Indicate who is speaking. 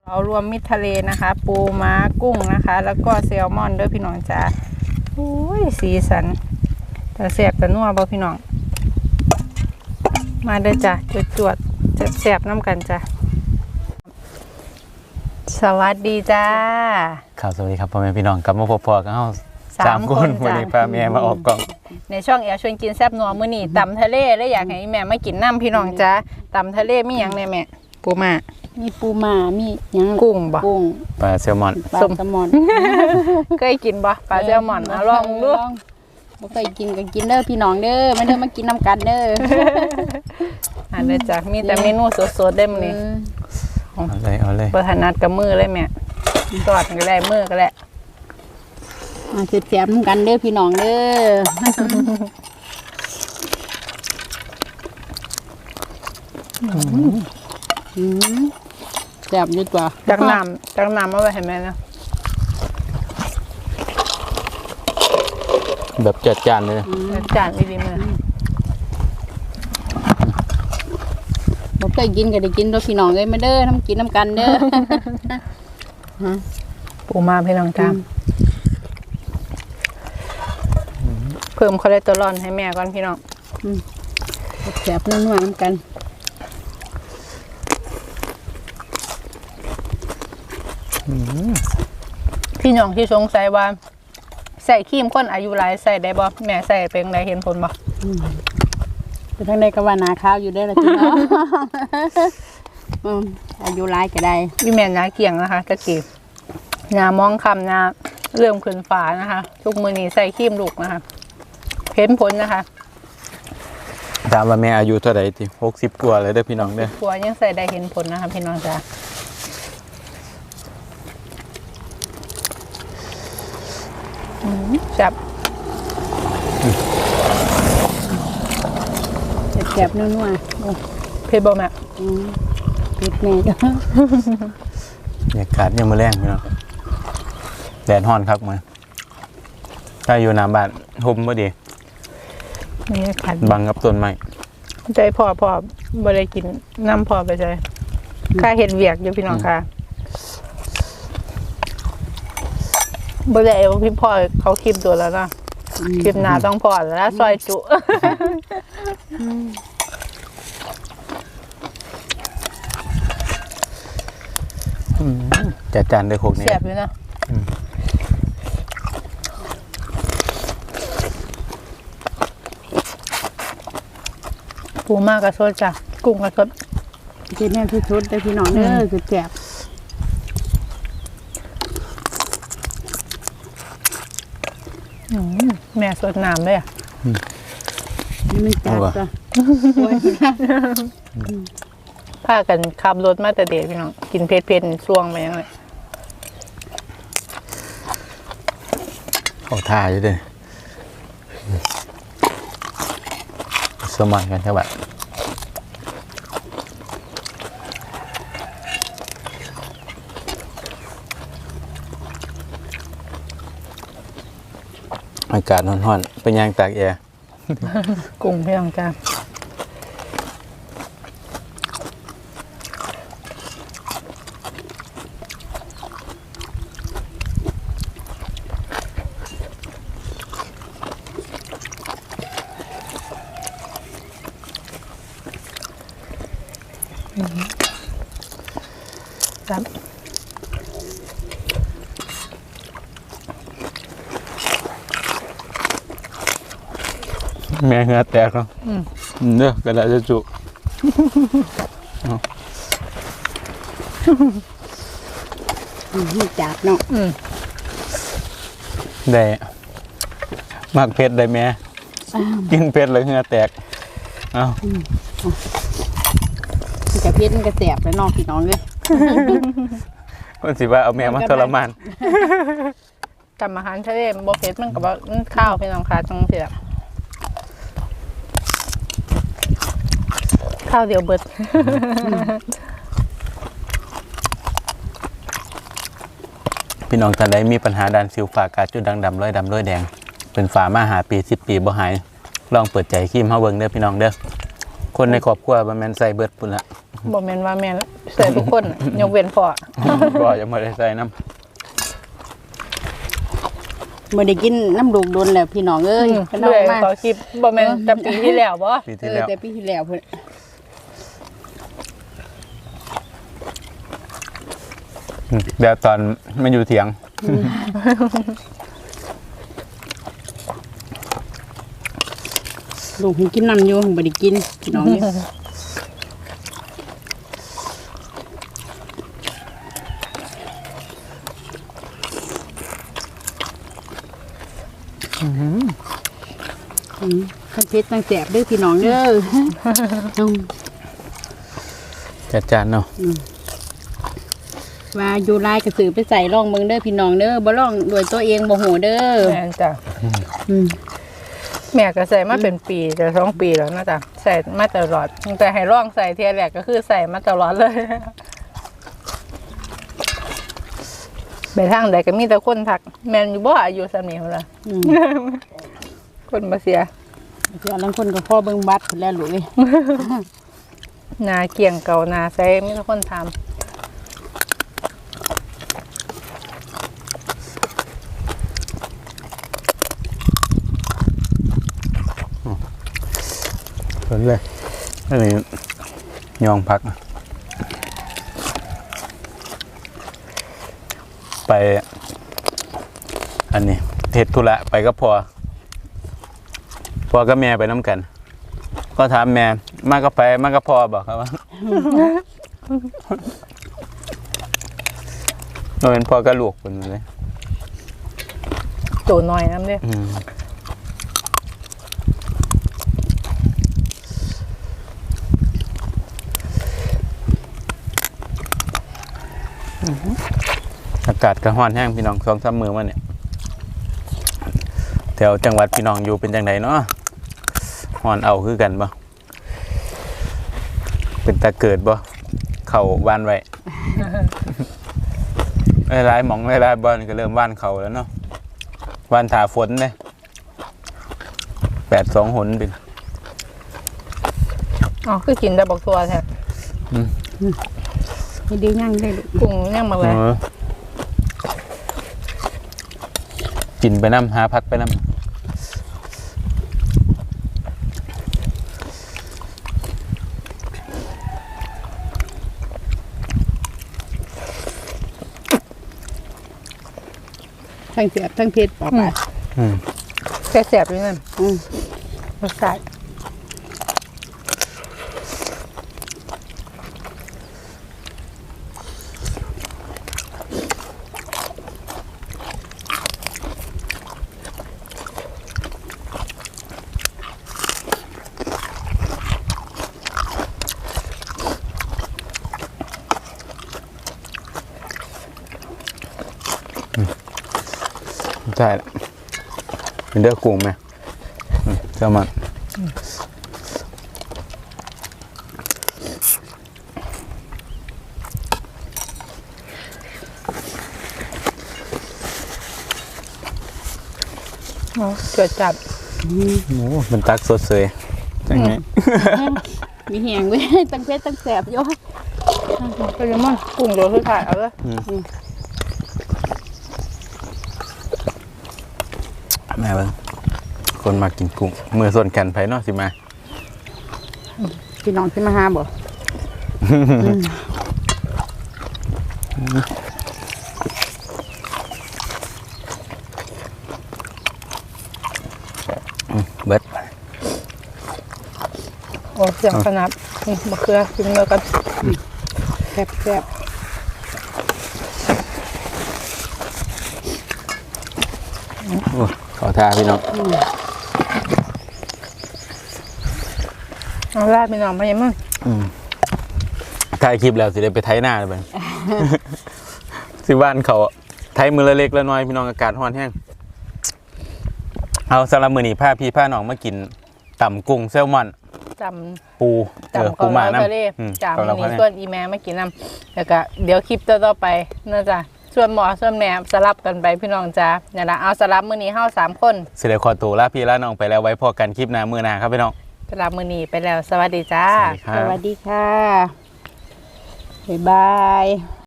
Speaker 1: เอารวมมิตรทะเลนะคะ ปูม้ากุ้งนะคะ แล้วก็แซลมอนด้วยพี่น้องจ้าโอ้ยสีสันแต่แสบแต่นัวบ่พี่น้องมาเด้อจ้ะจวดแสบน้ำกันจ้ะสวัสดีจ้า
Speaker 2: ครับสวัสดีครับพ่อแม่พี่น้องกลับมาพบกันเฮา3 คนวันนี้พาแม่มาออกกล่อง
Speaker 1: ในช่องชวนกินแซ่บนัวมื้อนี้ตำทะเลแล้วอยากให้แม่มากินน้ำพี่น้องจ้าตำทะเลมีหยังแน่แม่ปูม้า
Speaker 3: มีปูม้ามีหยัง
Speaker 1: กุ้งบ่
Speaker 3: กุ้ง
Speaker 2: ปลาแซลมอน
Speaker 3: ปลาแซลมอน
Speaker 1: เคยกินบ่ปลาแซลมอนลองดู
Speaker 3: บ่เคยกินก็กินเด้อพี่น้องเด้อมาเด้อมากินน้ำกันเด้อ
Speaker 1: อันนี้จ้ะมีแต่เมนูสดๆได้มื้อนี้
Speaker 2: เอาเลย
Speaker 1: บ่ถนัดกับมือเลยแม่ตอดก็ได้มือก็ได้
Speaker 3: มาแซ่บๆน้ำกันเด้อพี่น้องเด้อแซ่บอยู่ตัว
Speaker 1: จักน้ำเอาไว้ให้แม่นะ
Speaker 2: แบบจัดจานเลย
Speaker 1: จานดีๆมื้อ
Speaker 3: บ่เคยกินก็ได้กินเด้อพี่น้องเอ้ยมาเด้อทำกินน้ำกันเด้อ
Speaker 1: ปูมาพี่น้องจ้าเพิ่มคอเลสเตอรอลให้แม่ก่อนพี่น้อง
Speaker 3: แซ่บนัวๆน้ำกัน
Speaker 1: พี่น้องที่สงสัยว่าใส่ครีมคนอายุหลายใส่ได้บ่แม่ใส่เป็นไงเห็นผลบ่
Speaker 3: ไปทางใดก็ว่าหนาข้าวอยู่ได้ละพี่น้องอายุหลายก็ได้
Speaker 1: พี่แม่หน้าเกี่ยงนะคะตะกี้หน้ามองคำหน้าเริ่มขึ้นฝานะคะทุกมื้อนี้ใส่ครีมลูกนะคะเห็นผลนะคะ
Speaker 2: ถามว่าแม่อายุเท่าไหร่ติ60กว่าเลยเด้อพี่น้องเด้อ
Speaker 1: ตัวยังใส่ได้เห็นผลนะคะพี่น้องจ้าจับ
Speaker 3: แซ่บนัว
Speaker 1: เผ็ดบ่แม่
Speaker 3: เผ็ดแม่จ้ะ
Speaker 2: บรรยากาศยังมื้อแรงพี่น้องแดดร้อนครับมื้อถ้าอยู่หน้าบ้านห่มบ่ดี
Speaker 1: นี่ขัด
Speaker 2: บังกับต้นไม้
Speaker 1: ใจพ่อบ่ได้กินน้ำพ่อไปใจค่าเห็ดเวียกอยู่พี่น้องค่ะบ่ได้เอาพี่พ่อเขาคลิปตัวแล้วนะคลิปหน้าต้องพ่อแล้วซอยจุ
Speaker 2: จัดจานด้วยโคกนี่
Speaker 1: แซ่บอยู่นะปูมากกระสดจ้ะกุ้งกระสด
Speaker 3: กินแม่ที่สุดได้พี่น้องเด้อคือแซ่บ
Speaker 1: แม่สดน้ำเลย
Speaker 3: นี่มันจัดจ้ะ
Speaker 1: พากันขับรถมาแต่เด็กพี่น้องกินเผ็ดๆช่วงไปยังไง
Speaker 2: เขาท่าอยู่ด้วยสมัยกันใช่ไหมอากาศร้อนๆเป็นยางตากแอร์
Speaker 1: กุ้งพี่น้องจ้าครับ
Speaker 2: แม่เหงื่อแตกแล้วเด้อกระดาษจะจุ
Speaker 3: จัดเนาะ
Speaker 2: ได้มากเผ็ดได้แม่กินเผ็ดเลยเหงื่อแตกเอา
Speaker 3: กระเพ็ดมันกระแสบแล้วน้องพี่น้องเลย
Speaker 2: คนสิว่าเอาแม่มาทรมาน
Speaker 1: ทำอาหารทะเลบ่เผ็ดมันกับข้าวพี่น้องค่ะจังสิล่ะข้าวเดียวเบิด
Speaker 2: พี่น้องท่านใดมีปัญหาด้านสิวฝ้ากาจุดด่างดำร้อยดำร้อยแดงเป็นฝามาหาปี10 ปีบ่หายลองเปิดใจครีมเฮาเบิ่งเด้อพี่น้องเด้อคนในครอบครัวมันแม่นใส่เบิดปุ่นละ
Speaker 1: บ่แม่นว่าแม่นใส่ทุกคนน่ะยกเว้นพ่อ
Speaker 2: ก็ยังไม่ได้ใส่น้
Speaker 3: บ่ได้กินน้ำลูกโดนแล้วพี่น้องเอ้ยพี่น้อง
Speaker 1: เรื่อย
Speaker 3: มา
Speaker 1: ต่อคลิปบ่แม่นแต่ปีที่แล้วบ่
Speaker 2: ำปีที่แล้ว
Speaker 3: แต่ปีที่แล้วเพิ่น
Speaker 2: เดี๋ยวตอนมันอยู่เถียง
Speaker 3: ลูกเพิ่นกินน้ำอยู่บ่ได้กินพี่น้องนี่ ทั้งเผ็ดทั้งแสบเด้อพี่น้องเด้อ
Speaker 2: จัดจานเนาะ
Speaker 3: ว่าอยู่ลายกระสือไปใส่ร่องเบิ่งเด้อพี่น้องเด้อบ่ร่องด้วยตัวเองบ่หูเด้อ
Speaker 1: แม่นจ้ะ
Speaker 3: อืม
Speaker 1: แม่ก็ใส่มาเป็นปีจะ2 ปีแล้วนะจ๊ะใส่มาตลอดตั้งแต่ให้ร่องใส่เทียแรกก็คือใส่มาตลอดเลยไปทางใดก็มีแต่คนทักแม่นอยู่บ่อายุสำนี้พุ่นล่ะ
Speaker 3: อืม
Speaker 1: คนบ่เสีย
Speaker 3: เดี๋ยวลังคนก็พอเบิ่งบัตรพุ่นแล้วลูกเอ้ย
Speaker 1: หนาเกี่ยงเก่าหนาใส่มีแต่คนถาม
Speaker 2: สนเลยอันนี้ยองพัก ไป อันนี้เทศธุระไปก็พอก็แม่ไปน้ำกัน ก็ถามแม่มาก็ไปมาก็พอบอกครับว่า เราเป็นพ่อก็ลูกคนเลย
Speaker 1: ตัวน้อยน้ำเด้
Speaker 2: อากาศกระห้อนแห้งพี่น้อง2-3 มื้อมาเนี่ยแถวจังหวัดพี่น้องอยู่เป็นจังไดเนาะฮ้อนเอาคือกันบ่เป็นตาเกิดบ่เข้าบ้านไว้ หลายๆหม่องหลายๆบ่อนก็เริ่มว่านเข้าแล้วเนาะว่านถาฝนเด้8-2 หนเป็น
Speaker 1: อ๋อคือกินได้บอกตัวแท้
Speaker 3: ให้ดีย่างได้ลูก
Speaker 1: กุ้งย่างมาเลย
Speaker 2: กินไปน้ำหาพักไปน้ำ
Speaker 3: ทั้งแสบทั้งเผ็ดปอกไป
Speaker 1: แค่แสบอยู่นั่นรสชาติ
Speaker 2: ใช่เป็นเด้อกุ้งไหมเจ้ามัน
Speaker 1: เกิดจัด
Speaker 2: โอ้เป็นตักสดเสยจังไง
Speaker 3: มีแหงเว้ยทั้งเผ็ดทั้งแสบอยู่
Speaker 1: ก็ยังมันกุ้งโดนสุดท้ายเอาเลย
Speaker 2: แม่เบิ้งคนมากินกุ้งมือส่วนกันไผเนาะสิมา
Speaker 3: พี่น้องสิมาหาบ่
Speaker 2: เบิด
Speaker 1: โอ้เสียงขนาดนี่มะเขือกินเมื่อกัน
Speaker 3: แซ่บแซ่บ
Speaker 2: โอ้ขอท่าพี่น้อง
Speaker 1: เอาลาดไปหน่อยมายังมึง
Speaker 2: ถ่ายคลิปแล้วสิได้ไปไถหน้าเลยเบิ้ง สิบ้านเขาไถมือละเล็กละน้อยพี่น้องอากาศร้อนแห้งเอาสำหรับมื้อนี้พาพี่พาน้องมากินต่ำกุ้งแซลมอน
Speaker 1: จ
Speaker 2: ปู
Speaker 1: ำจำ
Speaker 2: ปู
Speaker 1: เกา
Speaker 2: หมา
Speaker 1: เหลา
Speaker 2: น้ำ
Speaker 1: ทะเลจำ
Speaker 2: เกาเหลา
Speaker 1: มี
Speaker 2: ทะเล
Speaker 1: ส่วนอีแม่มากินน้ำแล้วก็เดี๋ยวคลิปต่อๆไปน่าจะส่วนหมอส่วนแม่สลับกันไปพี่น้องจ้าเนี่ยนะเอาสลับมื้อนี้เฮา3 คน
Speaker 2: สิได้ขอตัวลาพี่ลาน้องไปแล้วไว้พอกันคลิปหน้ามื้อหน้าครับพี่น้อง
Speaker 1: สำหรับมื้อนี้ไปแล้วสวัสดีจ้า
Speaker 2: สวัสดีครับ
Speaker 3: สวัสดีค่ะบ๊ายบาย